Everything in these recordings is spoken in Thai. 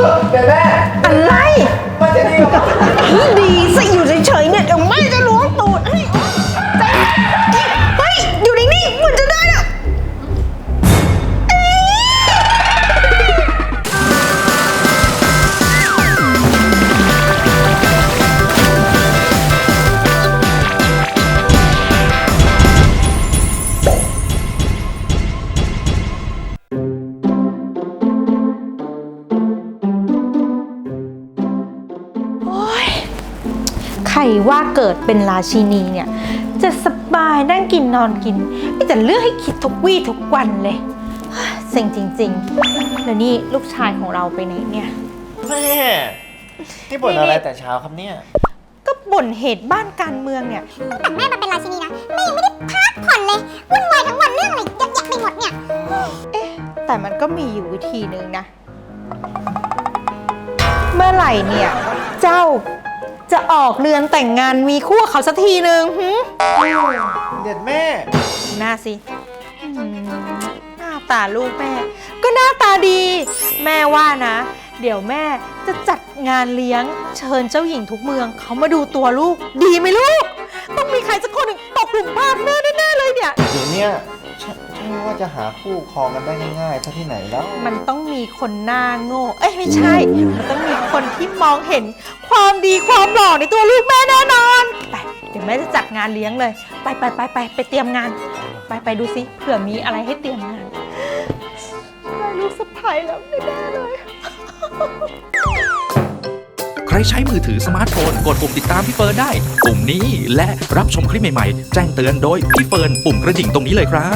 เดี๋ยวแม่อะไรมันจะดีหรอดีสิอยู่เฉยๆเนี่ยเดี๋ยวแม่จะล้วงตูดให้เฮ้ยอยู่นิ่งๆเหมือนจะได้อะ ใครว่าเกิดเป็นราชินีเนี่ยจะสบายนั่งกินนอนกินไม่แต่เลือกให้คิดทุกวี่ทุกวันเลยเซ็งจริงๆแล้วนี่ลูกชายของเราไปไหนเนี่ยแม่ที่บ่นอะไรแต่เช้าครับเนี่ยก็บ่นเหตุบ้านการเมืองเนี่ยแต่แม่มาเป็นราชินีนะแม่ยังไม่ได้พักผ่อนเลยวุ่นวายทั้งวันเรื่องอะไรเยอะแยะไปหมดเนี่ยเอ๊ะแต่มันก็มีอยู่วิธีนึงนะเมื่อไหร่เนี่ยเจ้าจะออกเรือนแต่งงานมีคู่เขาสักทีนึงเด็ดแม่หน้าสิหน้าตาลูกแม่ก็หน้าตาดีแม่ว่านะเดี๋ยวแม่จะจัดงานเลี้ยงเชิญเจ้าหญิงทุกเมืองเขามาดูตัวลูกดีไหมลูกต้องมีใครสักคนหนึ่งตกหลุมพรางแม่แน่ๆเลยเนี่ยเดี๋ยวเนี้ยใช่ว่าจะหาคู่ครองกันได้ง่ายๆซะที่ไหนแล้วมันต้องมีคนหน้าโง่เอ้ยไม่ใช่มันต้องมีคนที่มองเห็นความดีความหล่อในตัวลูกแม่แน่นอนไปเดี๋ยวแม่จะจัดงานเลี้ยงเลยไปเตรียมงานไปดูสิเผื่อมีอะไรให้เตรียมงานได้ลูกสะใภ้แล้วแน่ๆเลยใครใช้มือถือสมาร์ทโฟนกดปุ่มติดตามพี่เฟิร์นได้ปุ่มนี้และรับชมคลิปใหม่ๆแจ้งเตือนโดยพี่เฟิร์นปุ่มกระดิ่งตรงนี้เลยครับ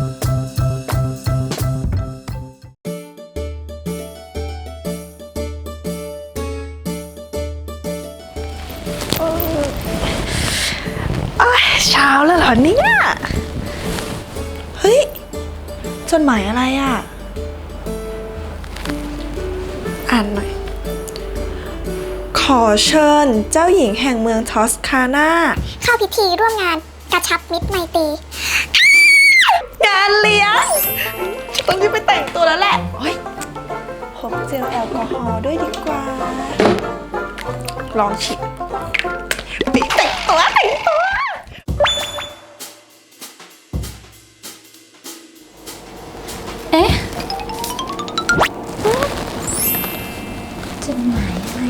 เช้าแล้วเหรอเนี่ยเฮ้ยจดหมายอะไรอ่ะอ่านหน่อยขอเชิญเจ้าหญิงแห่งเมืองทอสคานาเข้าพิธีร่วมงานกระชับมิตรไมตรีงานเลี้ยงต้องรีบไปแต่งตัวแล้วแหละเฮ้ยพกเจลแอลกอฮอล์ด้วยดีกว่าลองฉีดแต่งตัวเอ๊ะจดหมายอะไร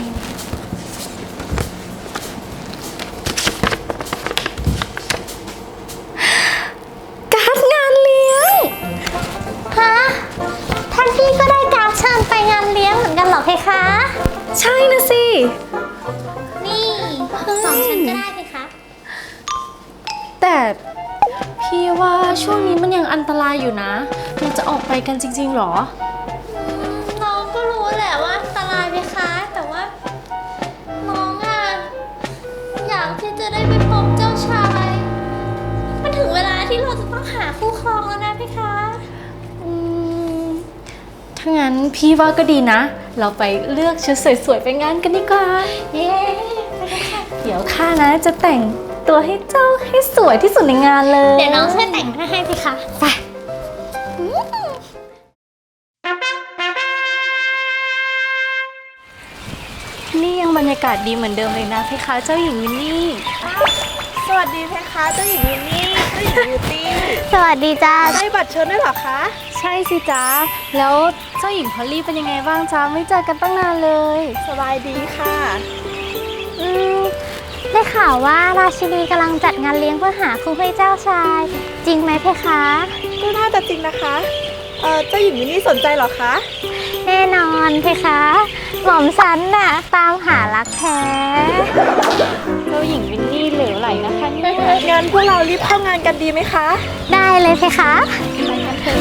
การ์ดงานเลี้ยงฮะท่านพี่ก็ได้การ์ดเชิญไปงานเลี้ยงเหมือนกันเหรอเพคะใช่นะสินี่ของฉันก็ได้เพคะแต่พี่ว่าช่วงนี้มันยังอันตรายอยู่นะเราจะออกไปกันจริงๆหรอน้องก็รู้แหละว่าอันตรายเพคะแต่ว่าน้องอ่ะอยากที่จะได้ไปพบเจ้าชายมันถึงเวลาที่เราจะต้องหาคู่ครองแล้วนะเพคะถ้างั้นพี่ว่าก็ดีนะเราไปเลือกชุดสวยๆไปงานกันดีกว่าเย้เดี๋ยวข้านะจะแต่งตัวให้เจ้าให้สวยที่สุดในงานเลยเดี๋ยวน้องช่วยแต่งให้พี่คะไปนี่ยังบรรยากาศดีเหมือนเดิมเลยนะเพคะเจ้าหญิงวินนี่สวัสดีเพคะเจ้าหญิงวินนี่เจ้าหญิงบิวตี้สวัสดีจ้าได้บัตรเชิญด้วยเหรอคะใช่สิจ้าแล้วเจ้าหญิงพอลลี่เป็นยังไงบ้างจ้าไม่เจอกันตั้งนานเลยสบายดีค่ะได้ข่าวว่าราชินีกำลังจัดงานเลี้ยงเพื่อหาคู่ให้เจ้าชายจริงไหมเพคะก็น่าจะจริงนะคะเจ้าหญิงวินนี่สนใจเหรอคะแน่นอนเพคะหม่อมฉันน่ะตามหารักแท้เจ้าหญิงวินนี่เหลวไหลนะคะเนี่ยงานพวกเรารีบเข้างานกันดีไหมคะได้เลยเพคะไปกันเถอะ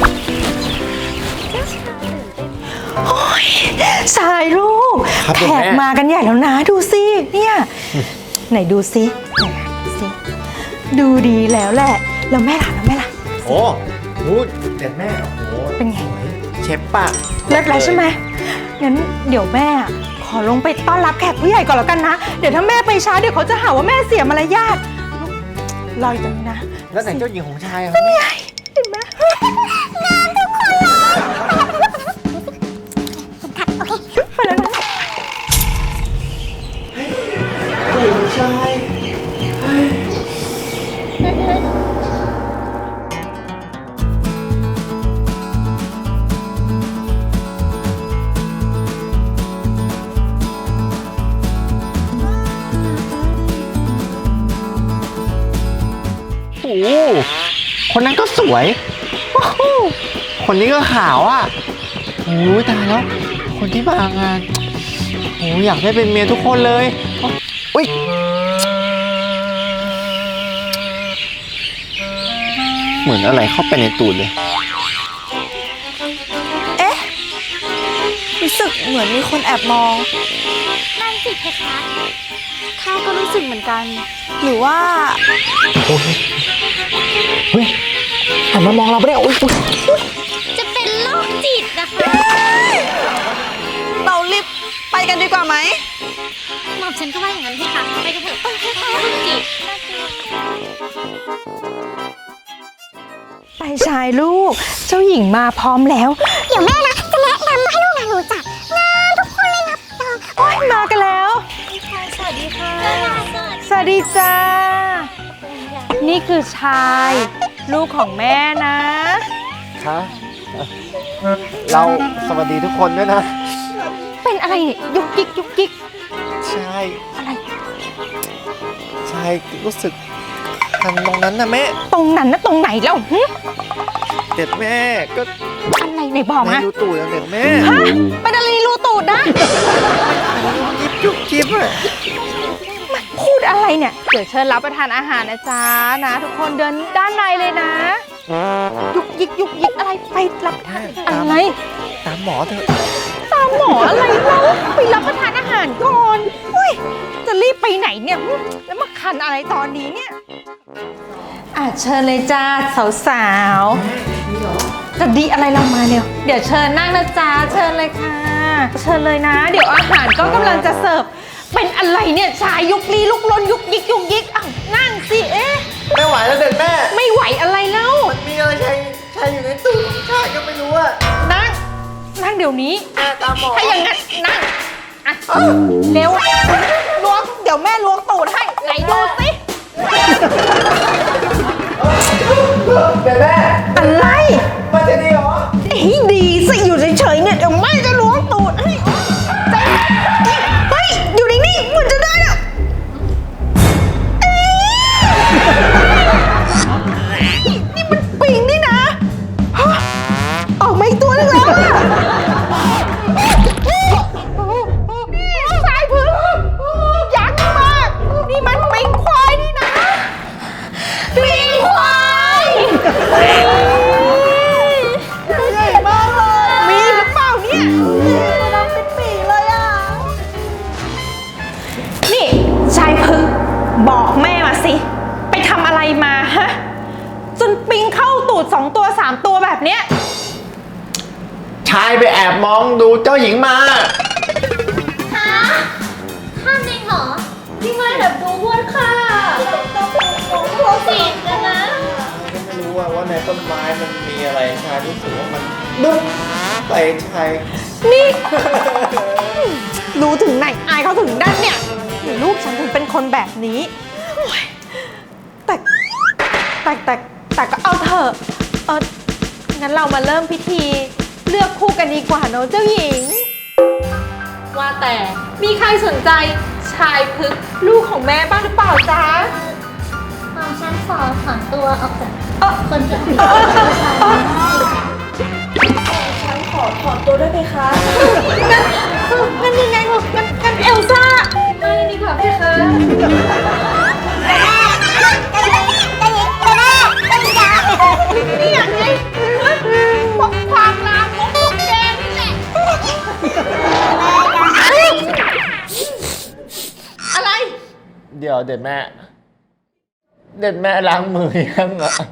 โอ้ยสายลูกแขกมากันใหญ่แล้วนะดูสิเนี่ยไหนดูสิดูดีแล้วแหละแล้วแม่ล่ะโอ้โหเด็ดแม่โอ้โหเป็นไงเชฟปากเลิศไรใช่ไหมงั้นเดี๋ยวแม่ขอลงไปต้อนรับแขกผู้ใหญ่ก่อนแล้วกันนะเดี๋ยวถ้าแม่ไปช้าเดี๋ยวเขาจะหาว่าแม่เสียมารยาทรออยู่ตรงนี้นะแล้วไหนเจ้าหญิงของชายครับนี่ไงเห็นไหมงานทุกคนเลยไปแล้วนะคนนั้นก็สวยโอ้โหคนนี้ก็ขาวอ่ะโอ้ยตายแล้ว คนที่มางานโอ้ยอยากได้เป็นเมียทุกคนเลยอุ้ยเหมือนอะไรเข้าไปในตูดเลยเอ๊ะ รู้สึกเหมือนมีคนแอบมองนั่นสิเพคะข้าก็รู้สึกเหมือนกันหรือว่าเฮ้ยหันมามองเราไม่ได้อุ้ยจะเป็นโรคจิตนะคะเรารีบไปกันดีกว่าไหมหม่อมฉันก็ว่าอย่างนั้นเพคะไปกันเถอะโรคจิตน่ากลัวไปชายลูก เจ้าหญิงมาพร้อมแล้วเดี๋ยวแม่นะจะแนะนำให้ลูกหลานรู้จักนะทุกคนเลยนะโอ้ยมากันแล้วสวัสดีค่ะสวัสดีจ้า นี่คือชาย ลูกของแม่นะคะเราสวัสดีทุกคนด้วยนะเป็นอะไรเนี่ยยุกยิกยุกยิกใช่อะไรใช่รู้สึกคันตรงนั้นนะแม่ตรงนั้นนะตรงไหนแล้วหึเด็ดแม่ก็อะไรไหนบอกแม่มาดูตูดอย่างเด็ดแม่ฮะเป็นอะไรรูตูดนะจิ๊บจุ๊บจิ๊บอะพูดอะไรเนี่ย เดี๋ยวเชิญรับประทานอาหารนะจ๊ะนะ ทุกคนเดินด้านในเลยนะ ยุกยิกยุกยิกอะไรไปรับประทานอะไรตามหมอเถอะตามหมออะไรเราไปรับประทานอาหารก่อนอุ้ยจะรีบไปไหนเนี่ยหึแล้วมาคันอะไรตอนนี้เนี่ยเชิญเลยจ้าสาวๆจะดีอะไรเรามาเนี่ยเดี๋ยวเชิญนั่งนะจ๊ะเชิญเลยค่ะ เชิญเลยนะ เดี๋ยวอาหารก็กำลังจะเสิร์ฟเป็นอะไรเนี่ยชายยุกลี้ลุกลนยุกยิกยุกยิกอ้าวนั่งสิเอ๊ะไม่ไหวแล้วเด็ดแม่ไม่ไหวอะไรแล้วมีอะไรใช่อยู่ในตู้ใช่ก็ไม่รู้อะนั่งเดี๋ยวนี้แม่ตามหมอถ้าอย่างนั้นนั่งอ่ะเร็วล้วงเดี๋ยวแม่ล้วงตูดให้ไหนดูสิเด็ดแม่อะไรมันจะดีเหรอดีสิอยู่เฉยๆเนี่ยเดี๋ยวแม่จะล้วงตูดให้เฮ้ยอยู่นิ่งๆเหมือนจะได้อะนี่มันปิงนี่นะฮะออกมาอีกตัวนึงแล้วอะสายพึ่งยักษ์มากนี่มันปิงควายนี่นะปิงควายใหญ่มากเลยมีหรือเปล่าเนี่ยดำเป็นปีเลยอ่ะนี่ชายพึ่งบอกแม่มาสิไปทำอะไรมาฮะจนปิงเข้าตูด2 ตัว 3 ตัวแบบเนี้ยชายไปแอบมองดูเจ้าหญิงมาฮะข้ามจริงเหรอพี่ไม่แบบดูวนค่ะโคสิตกันนะไม่รู้ว่าในต้นไม้มันมีอะไรชายรู้สึกว่ามันบึ้มใส่ชายนี่ รู้ถึงไหนอายเขาถึงด้านเนี่ยหรือลูกฉันถึงเป็นคนแบบนี้โอ๊ยแต่ก็เอาเถอะงั้นเรามาเริ่มพิธีเลือกคู่กันดีกว่าเนอะเจ้าหญิง ว่าแต่มีใครสนใจชายพึกษ์ลูกของแม่บ้างหรือเปล่าจ๊ะหม่อมฉันขอถอนตัวออกจากเอ่อคนที่ถูกฉันขอถอนตัวด้วยไหมคะงั้นยังไงงั้นเอลซ่าไม่ดีกว่าพี่คะนี่ยังไงพวกความลามของพวกแกนี่แหละอะไรเดี๋ยวเด็ดแม่ เด็ดแม่ล้างมือยังอ่ะ